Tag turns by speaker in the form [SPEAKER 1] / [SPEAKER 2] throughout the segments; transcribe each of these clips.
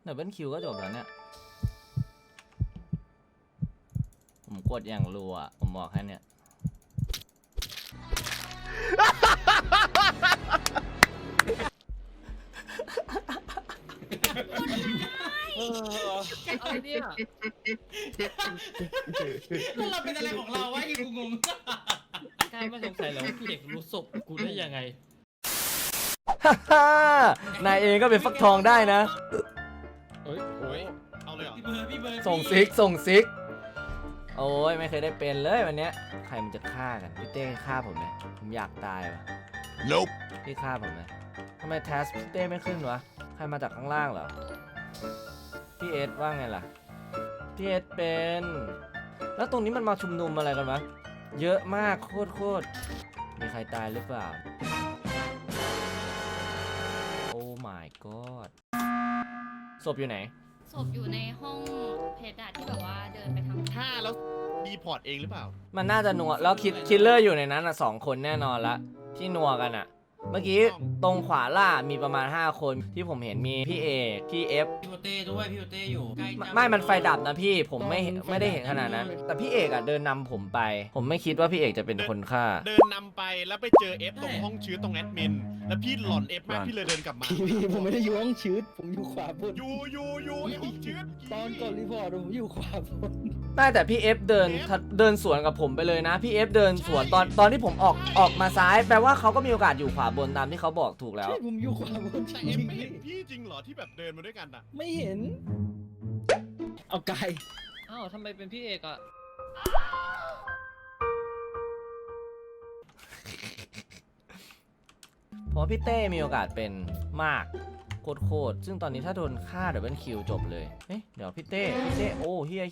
[SPEAKER 1] ดับเบิลคิวก็จบแล้วเนี่ยผมกดอย่างรัวผมบอกแค่เนี้ย
[SPEAKER 2] อะไรเนี่ย
[SPEAKER 3] เราเป็นอะไรของเราวะกูงง
[SPEAKER 2] กล้าไม่สงสัยเหรอว่าพี่เอกรู้ศพกูได้ยังไง
[SPEAKER 1] นายเองก็เป็นฟักทองได้นะ
[SPEAKER 4] โอ้ยเอาเลยเหรอ
[SPEAKER 3] พี่เบิร์ด
[SPEAKER 1] ส่งซิกส่งซิก โอ้ยไม่เคยได้เป็นเลยวันเนี้ยใครมันจะฆ่ากันพี่เต้ฆ่าผมไหมผมอยากตายว่ะ
[SPEAKER 4] Nope
[SPEAKER 1] พี่ฆ่าผมไหมทำไมแทสพี่เต้ไม่ขึ้นวะใครมาจากข้างล่างเหรอพี่เอสว่าไงล่ะพี่เอสเป็นแล้วตรงนี้มันมาชุมนุมอะไรกันวะเยอะมากโคตรมีใครตายหรือเปล่าโอ้ my god ศพอยู่ไหน
[SPEAKER 5] ศพอยู่ในห้องเพดานที่แบบว่าเดินไปทำ
[SPEAKER 4] ฆ่าแล้วดีพอร์ตเองหรือเปล่า
[SPEAKER 1] มันน่าจะนัวแล้วคิลเลอร์อยู่ในนั้นอ่ะ2 คนแน่นอนละที่นัวกันอ่ะ เมื่อกี้ตรงขวาล่ามีประมาณ5 คนที่ผมเห็นมีพี่เอกพี่เอฟ
[SPEAKER 3] พี่โอเต้ด้วยพี่โอเต้อยู่ใกล้จะ
[SPEAKER 1] ไม่มันไฟดับนะพี่ผมไม่ได้เห็นขนาดนั้น แต่พี่เอกอ่ะเดินนำผมไป ผมไม่คิดว่าพี่เอกจะเป็นคนฆ่า
[SPEAKER 4] เดินนำไปแล้วไปเจอเอฟตรงห้องชื้นตรงแอดมิน แล้วพี่หลอนเอฟมากพี่เลยเดินกลับมา
[SPEAKER 6] พี่ผมไม่ได้อยู่ห้องชืดผมอยู่ขวาบน
[SPEAKER 4] อยู่ไอห้องชื้น
[SPEAKER 6] ตอนก่อนรีพอร์ตผมอยู่ขวาบน
[SPEAKER 1] ได้แต่พี่เอฟเดินสวนกับผมไปเลยนะพี่เอฟเดินสวนตอนที่ผมออกมาซ้ายแปลว่าเขาก็มีโอกาสอยู่ขวาบนตามที่เขาบอกถูกแล้ว
[SPEAKER 6] ใช่ผมอยู่ขวาบน
[SPEAKER 4] แต่เอฟไม่เห็นพี่จริงเหรอที่แบบเดินมาด้วยกันอ่ะ
[SPEAKER 6] ไม่เห็น เอาไกล
[SPEAKER 2] อ้าวทำไมเป็นพี่เอกอะ
[SPEAKER 1] เพราะพี่เต้มีโอกาสเป็นมากโคตรซึ่งตอนนี้ถ้าโดนฆ่าดับเบิลคิวจบเลยเอ๊ะเดี๋ยวพี่เต้โอ้เฮีย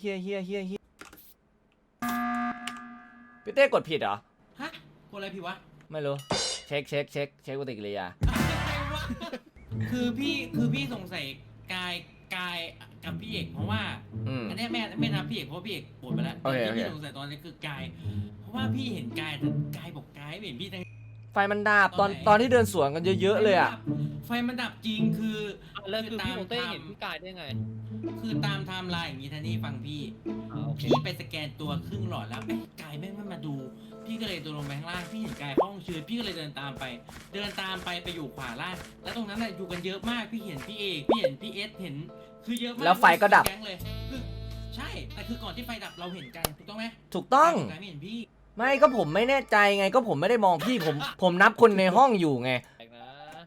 [SPEAKER 1] พี่เต้กดผิดเหรอ
[SPEAKER 3] ฮะกูอะไรพี่วะ
[SPEAKER 1] ไม่รู้เช็คปฏิกิริยา
[SPEAKER 3] คือพี่สงสัยกายกับพี่เอกเพราะว่า อันนี้แม่นับพี่เอกเพราะพี่เอกปวดไปแล้ว
[SPEAKER 1] โอเค
[SPEAKER 3] ที่พี่สงสัยตอนนี้คือกายเพราะว่าพี่เห็นกายแต่กายบอกกายไม่เห็นพี่ทั้ง
[SPEAKER 1] ไฟมันดับตอนที่เดินสวนกันเยอะๆเลยอ่ะ
[SPEAKER 3] ไฟมันดับจริงคือ
[SPEAKER 2] แล้วคือพี่โอเต้เห็นพี่กายได้ไง
[SPEAKER 3] คือตามไทม์ไลน์อย่างนี้ท่านี่ฟังพี่
[SPEAKER 2] โอเค
[SPEAKER 3] พี่ไปสแกนตัวครึ่งหลอดแล้วกายแม่งไม่มาดู พี่ก็เลยตัวลงไปข้างล่างพี่เห็นกายห้องชื้นพี่ก็เลยเดินตามไปไปอยู่ขวาล่างแล้วตรงนั้นน่ะอยู่กันเยอะมากพี่เห็นพี่เอกพี่เห็นพี่เอสเห็นคือเยอะมาก
[SPEAKER 1] แล้วไฟก็ดับ
[SPEAKER 3] แก๊งเลยคือใช่แต่คือก่อนที่ไฟดับเราเห็นกันถูกต้องไหม
[SPEAKER 1] ถูกต้อง
[SPEAKER 3] กายไม่เห็นพี่
[SPEAKER 1] ไม่ก็ผมไม่แน่ใจไงก็ผมไม่ได้มองพี่ผมนับคนในห้องอยู่ไง
[SPEAKER 2] แปลกนะ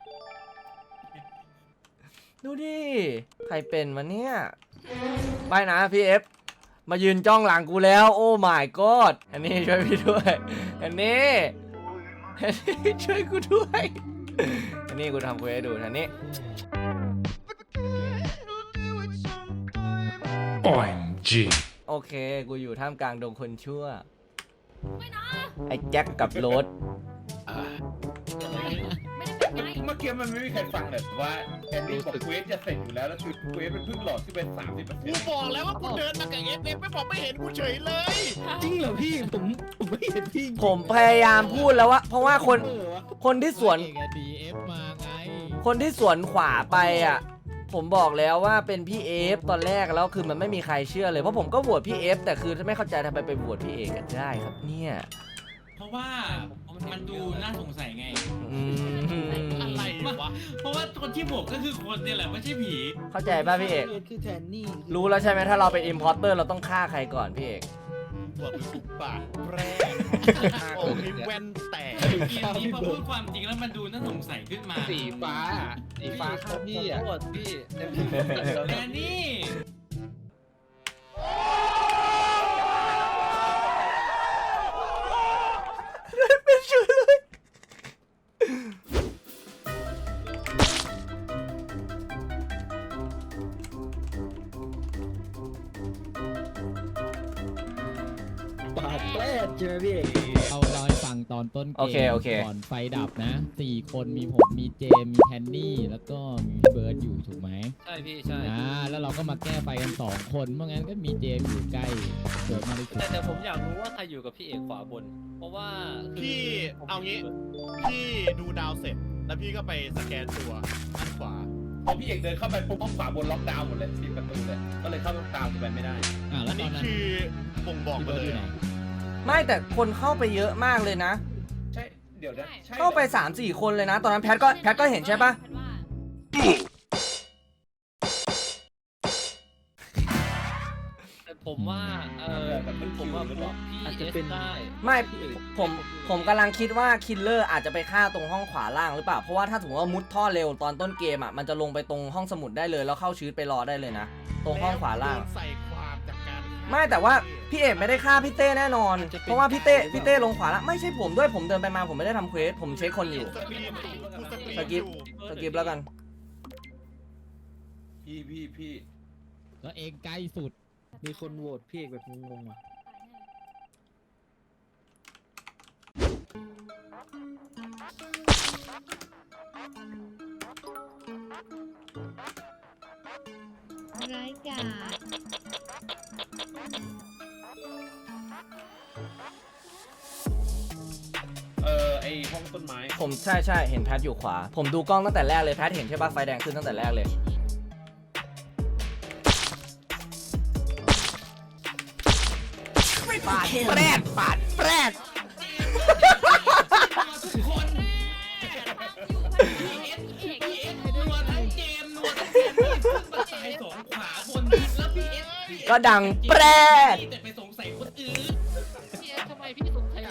[SPEAKER 1] ดูดิใครเป็นวะเนี่ยไปนะพี่เอฟมายืนจ้องหลังกูแล้วโอ้ my god อันนี้ช่วยพี่ด้วยอันนี้ช่วยกูด้วยอันนี้กูทำกูให้ดูอันนี้
[SPEAKER 7] OMG
[SPEAKER 1] โอเคกูอยู่ท่ามกลางดงคนชั่ว
[SPEAKER 5] ไม่นะ
[SPEAKER 1] ไอ้แจ็คกับโรส
[SPEAKER 5] ไม่ได้เป็นไง
[SPEAKER 8] เมื่อกี้มันไม่มีใครฟังเลยว่าแอนดี้บอกเควสจะเสร็จอยู่แล้วแล้วคือเควสมันเพิ่งหลอดขึ้นเป็น
[SPEAKER 4] กูบอกแล้วว่ากูเดินมากับเอฟไม่บอกไม่เห็นกูเฉยเลย
[SPEAKER 6] จริงเหรอพี่ผมไม่เห็นพี่
[SPEAKER 1] ผมพยายามพูดแล้วว่าเพราะว่าคนที่สวน
[SPEAKER 6] ดีเอฟมาไง
[SPEAKER 1] คนที่สวนขวาไปอ่ะผมบอกแล้วว่าเป็นพี่เอฟตอนแรกแล้วคือมันไม่มีใครเชื่อเลยเพราะผมก็โหวตพี่เอฟแต่คือไม่เข้าใจทำไมไปโหวตพี่เอกกันได้ครับเนี่ย
[SPEAKER 3] เพราะว่ามันดูน่าสงสัยไง
[SPEAKER 1] อืม
[SPEAKER 4] อะไรวะ
[SPEAKER 3] เพราะว่าคนที่บวกก็คือคนเนี่ยแหละไม่ใช่ผี
[SPEAKER 1] เข้าใจป่ะพี่เอก
[SPEAKER 6] คือแทนนี่
[SPEAKER 1] รู้แล้วใช่ไหมถ้าเราเป็นอิมพอร์เตอร์เราต้องฆ่าใครก่อนพี่เอก
[SPEAKER 4] ปวดสุกปากแรกโอ้ยแว่นแตก
[SPEAKER 3] เกมนี้พอพูดความจริงแล้วมันดูน่าสงสัยขึ้นมา
[SPEAKER 2] สีฟ้าครับพี่อ่ะโทษพี่
[SPEAKER 3] แต่นี่
[SPEAKER 1] ไม่เชื่อเลย
[SPEAKER 6] ปาดแปลดใช่ไหมพี่
[SPEAKER 9] เอาเราให้ฟังตอนต้นเก
[SPEAKER 1] โอเค
[SPEAKER 9] ม
[SPEAKER 1] โอเค
[SPEAKER 9] ก่อนไฟดับนะ4 คนมีผมมีเจมมีแทนนี่แล้วก็มีพี่เบิร์ดอยู่ถูกไหม
[SPEAKER 2] ใช่พี่ใช่
[SPEAKER 9] แล้วเราก็มาแก้ไฟกัน2 คนเพราะงั้นก็มีเจมอยู่ใกล้เบิร์ดมากที่สุด
[SPEAKER 2] แต่ผมอยากรู้ว่าใครอยู่กับพี่เอกขวาบน เพราะว่าคือ
[SPEAKER 4] พี่เอางี้ พี่ดูดาวเสร็จแล้วพี่ก็ไปสแกนตัวด้านขวา พอ
[SPEAKER 8] อพี่เอกเดินเข้าไปปุ๊บห้องขวาบนล็อกดาวน์หมดเลยปิดประตูเลยก็เลยเข้าตามไปไม่ได้
[SPEAKER 9] แล้ว
[SPEAKER 4] นี่
[SPEAKER 9] ตอนนั้น
[SPEAKER 4] คือบ่งบอก
[SPEAKER 9] พี่
[SPEAKER 4] มา
[SPEAKER 9] เบิร์ด
[SPEAKER 4] เล
[SPEAKER 9] อย ยู่ไหน
[SPEAKER 1] ไม่แต่คนเข้าไปเยอะมากเลยนะ
[SPEAKER 8] ใช่เดี๋ยวนะใช่
[SPEAKER 1] เข้าไป 3-4 คนเลยนะ ตอนนั้นแพทก็เห็นใช่ปะ
[SPEAKER 5] แพทว่า
[SPEAKER 2] แต่ผมว่าผมว่าพี่เอสได้
[SPEAKER 1] ไม่ผมกำลังคิดว่าคิลเลอร์อาจจะไปฆ่าตรงห้องขวาล่างหรือเปล่า เพราะว่าถ้าสมมติว่ามุดท่อเร็วตอนต้นเกมอ่ะมันจะลงไปตรงห้องสมุดได้เลยแล้วเข้าชีวิตไปรอได้เลยนะ ตรงห้องขวาล่าง
[SPEAKER 4] โดนใส่ความจากการ
[SPEAKER 1] ไม่แต่ว่าพี่เอกไม่ได้ฆ่าพี่เต้แน่นอน เพราะว่าพี่เต้ลงขวาล่างไม่ใช่ผมด้วยผมเดินไปมาผมไม่ได้ทำเควสผมเช็คคนอยู่ สกิป สกิปแล้วกัน
[SPEAKER 8] พี่
[SPEAKER 9] แล้วเองใกล้สุด
[SPEAKER 6] มีคนโหวตพี่เอกแบบงงๆอ่ะ
[SPEAKER 5] ร้ายกาจ
[SPEAKER 8] ไอห้องต้นไม้
[SPEAKER 1] ผมใช่เห็นแพทอยู่ขวา ผมดูกล้องตั้งแต่แรกเลยแพทเห็นใช่ปะไฟแดงขึ้นตั้งแต่แรกเลยปาดแปรด
[SPEAKER 3] ทุกคนพี่เอสนัวทั้งเกมนัวทั้งเกมพี่ขึ้นมาตายสองขวาบนแล้วพี่เอส
[SPEAKER 1] ก็ดังแปรด
[SPEAKER 3] แต่ไปสงสัยคนอื่น
[SPEAKER 2] พี่เอสทำไมพี่สงสัย